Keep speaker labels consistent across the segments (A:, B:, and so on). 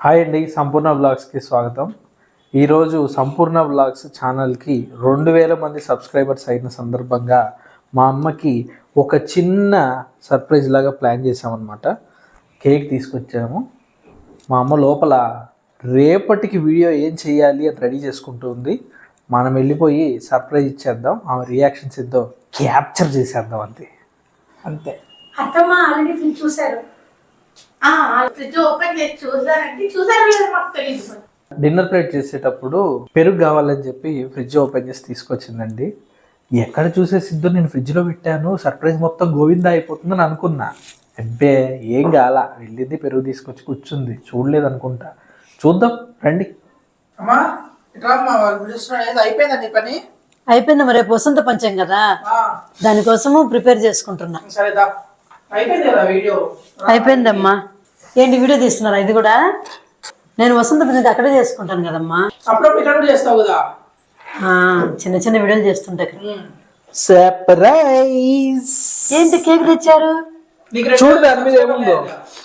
A: Hi అండి, సంపూర్ణ వ్లాగ్స్కి స్వాగతం. ఈరోజు సంపూర్ణ వ్లాగ్స్ ఛానల్కి 2000 మంది సబ్స్క్రైబర్స్ అయిన సందర్భంగా మా అమ్మకి ఒక చిన్న సర్ప్రైజ్ లాగా ప్లాన్ చేసామన్నమాట. కేక్ తీసుకొచ్చాము. మా అమ్మ లోపల రేపటికి వీడియో ఏం చేయాలి అని రెడీ చేసుకుంటుంది. మనం వెళ్ళిపోయి సర్ప్రైజ్ ఇచ్చేద్దాం, ఆమె రియాక్షన్స్ ఏదో క్యాప్చర్ చేసేద్దాం అంతే.
B: అత్తమ్మ ఆల్రెడీ ఫ్రిడ్జ్ చూసారు. ఫ్రిడ్జ్ ఓపెన్ చేసి చూసారు లేదు మాకు తెలియదు.
A: డిన్నర్ ప్లేట్ చేసేటప్పుడు పెరుగు కావాలని చెప్పి ఫ్రిడ్జ్ ఓపెన్ చేసి తీసుకొచ్చిందండి. ఎక్కడ చూసేసిద్దో నేను ఫ్రిడ్జ్లో పెట్టాను, సర్ప్రైజ్ మొత్తం గోవిందా అయిపోతుందని అనుకున్నా. అబ్బే ఏం కాల, వెళ్ళింది పెరుగు తీసుకొచ్చి కూర్చుంది. చూడలేదు అనుకుంటా, చూద్దాం రండి.
C: అయిపోయింది, మరి రేపు వసంత పంచం కదా, దానికోసము ప్రిపేర్ చేసుకుంటున్నా. అయిపోయిందమ్మా. ఏంటి వీడియో తీస్తున్నారా? ఇది కూడా నేను వసంత పంచం అక్కడే చేసుకుంటాను కదమ్మా. చిన్న చిన్న వీడియోలు చేస్తుంటా.
A: సర్ప్రైజ్.
C: ఏంటి కేక్ తెచ్చారు?
A: చూడదు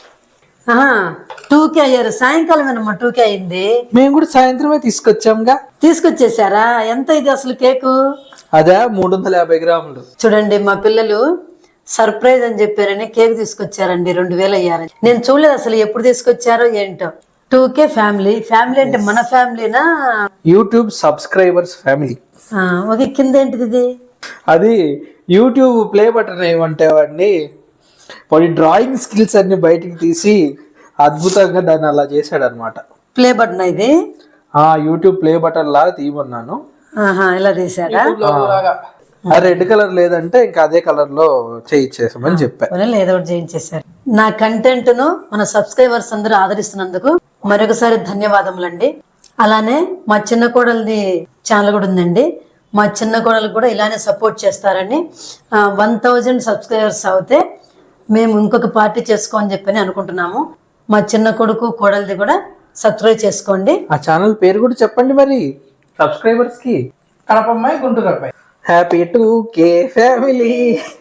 C: 2K అయ్యారు. సాయంకాలం ఏనమ్మా 2K అయింది.
A: మేము కూడా సాయంత్రమే తీసుకొచ్చాంగా.
C: తీసుకొచ్చేసారా? ఎంత ఇది అసలు కేకు?
A: అదే 350 గ్రాములు.
C: చూడండి, మా పిల్లలు సర్ప్రైజ్ అని చెప్పారని కేక్ తీసుకొచ్చారండి. 2000 అయ్యారని నేను చూడలేదు అసలు, ఎప్పుడు తీసుకొచ్చారో ఏంటో. 2K ఫ్యామిలీ అంటే మన ఫ్యామిలీనా?
A: YouTube subscribers family.
C: ఓకే, కింద ఏంటిది ఇది?
A: అది యూట్యూబ్ ప్లే బటన్ ఏమంటే వాడిని వాడి డ్రాయింగ్ స్కిల్స్ అన్ని బయటికి తీసి అద్భుతంగా దాన్ని అలా చేశాడు అనమాట.
C: ప్లే బటన్ ఇది?
A: యూట్యూబ్ ప్లే బటన్ లాగా తీయమన్నాను.
C: ఇలా తీసారా?
A: రెడ్ కలర్ లేదంటే ఇంకా అదే కలర్ లో చేయించేసామని చెప్పాను.
C: ఏదో ఒకటి చేయించేసారు. నా కంటెంట్ ను మన సబ్స్క్రైబర్స్ అందరూ ఆదరిస్తున్నందుకు మరొకసారి ధన్యవాదములండి. అలానే మా చిన్న కోడలిది ఛానల్ కూడా ఉందండి. మా చిన్న కోడలు కూడా ఇలానే సపోర్ట్ చేస్తారని. 1000 సబ్స్క్రైబర్స్ అవుతే మేము ఇంకొక పార్టీ చేసుకోని చెప్పని అనుకుంటున్నాము. మా చిన్న కొడుకు కోడలిది కూడా సబ్స్క్రైబ్ చేసుకోండి.
A: ఆ ఛానల్ పేరు కూడా చెప్పండి మరి సబ్స్క్రైబర్స్ కి. కడపమ్మాయి గుంటూరు అబ్బాయి. Happy 2K family.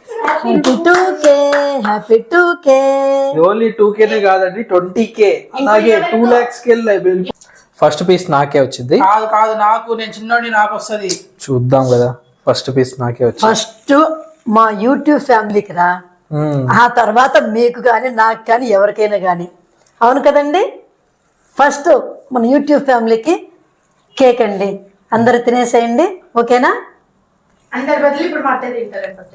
C: Happy 2K.
A: Only 2Kనే కాదండి, 20K అలాగే 2 lakhs కి. ఫస్ట్ పీస్ నాకే వచ్చింది.
D: కాదు నాకు, నేను చిన్నోడి నాకు వస్తుంది.
A: చూద్దాం కదా. ఫస్ట్ పీస్ నాకే వచ్చింది.
C: ఫస్ట్ మా యూట్యూబ్ ఫ్యామిలీకి రా, ఆ తర్వాత మీకు కానీ నాకు కానీ ఎవరికైనా కానీ. అవును కదండి? ఫస్ట్ మన యూట్యూబ్ ఫ్యామిలీకి కేక్ అండి. అందరు తినేసేయండి, ఓకేనా?
B: అందరి బదులు ఇప్పుడు మా అత్తయ్య తింటారు.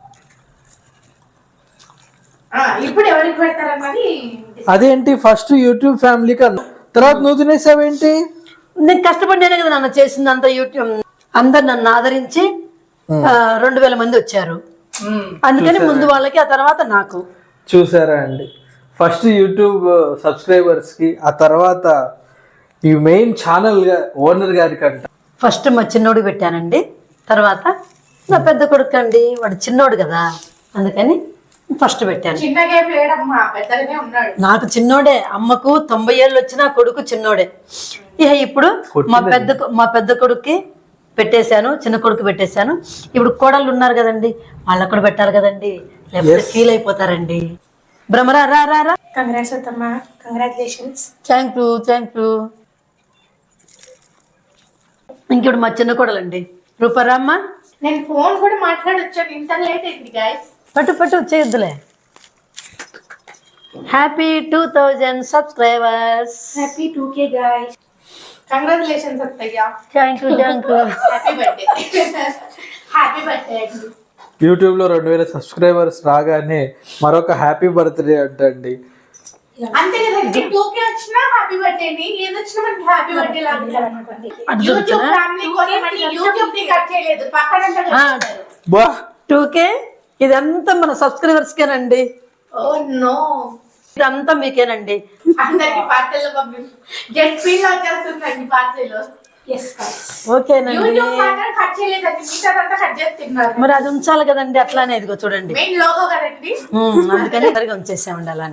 B: ఇప్పుడు ఎవరికి పెడతారన్నది.
A: అదేంటి ఫస్ట్ యూట్యూబ్ ఫ్యామిలీకి తర్వాత నువ్వు తినేసావేంటి?
C: నేను కష్టపడినానే కదా నన్ను చేసింది అంతా. యూట్యూబ్ అందరు నన్ను ఆదరించి 2000 మంది వచ్చారు. అందుకని ముందు వాళ్ళకి, ఆ తర్వాత నాకు.
A: చూసారా అండి, ఫస్ట్ యూట్యూబ్ సబ్స్క్రైబర్స్ కి, ఆ తర్వాత ఈ మెయిన్ ఛానల్ ఓనర్ గారికి అంట.
C: ఫస్ట్ మా చిన్నోడికి పెట్టానండి, తర్వాత నా పెద్ద కొడుకు అండి. వాడు చిన్నోడు కదా, అందుకని ఫస్ట్ పెట్టాను. నాకు చిన్నోడే. అమ్మకు 90 ఏళ్ళు వచ్చినా కొడుకు చిన్నోడే. ఇప్పుడు మా పెద్ద కొడుక్కి పెట్టేశాను, చిన్న కొడుకు పెట్టేశాను. ఇప్పుడు కోడళ్ళు ఉన్నారు కదండి, వాళ్ళకు కూడా పెట్టాలి కదండి, లేకపోతే ఫీల్ అయిపోతారండి. భ్రమరా రా రా రా.
B: కంగ్రాట్స్ అత్తమ్మ, కంగ్రాచులేషన్స్.
C: Thank you. ఇంకెప్పుడు మా చిన్న కోడలండి రూపారామ్మ.
B: నేను ఫోన్ కూడా మాట్లాడొచ్చాను, ఇంత లేట్ అయింది గైస్.
C: పట్టు చేయొద్దులే. Happy 2000 subscribers.
B: Happy 2K guys. Congratulations అత్తయ్య.
C: Thank you.
B: Happy birthday. Happy birthday అండి.
A: యూట్యూబ్ లో 2000 సబ్స్క్రైబర్స్ రాగానే మరొక హ్యాపీ బర్త్డే అంటండి.
B: అంతే కదండి, 2K వచ్చినా హ్యాపీ బర్త్డే అండి, ఏది వచ్చినా మనకి హ్యాపీ బర్త్డే లాగా. యూట్యూబ్ ఫ్యామిలీ కొని మళ్ళీ యూట్యూబ్ ని కట్ చేయలేదు, పక్కన
C: 2K. ఇదంతా మన సబ్స్క్రైబర్స్ కేనండి.
B: ఓ నో,
C: ఇదంతా మీకేనండి.
B: అందరికి పార్సల్ పంపించు. జెట్ ఫీల్ వచ్చేస్తుందండి పార్సల్.
C: ఓకేనండి.
B: యూట్యూబ్ మాత్రం కట్ చేయలేదండి, మిగతాదంతా కట్ చేస్తున్నారు.
C: మరి అది ఉంచాలి కదండి, అట్లానే ఇదిగో చూడండి
B: మెయిన్ లోగో కదండి,
C: అందుకని ఉంచేసామండి అలానే.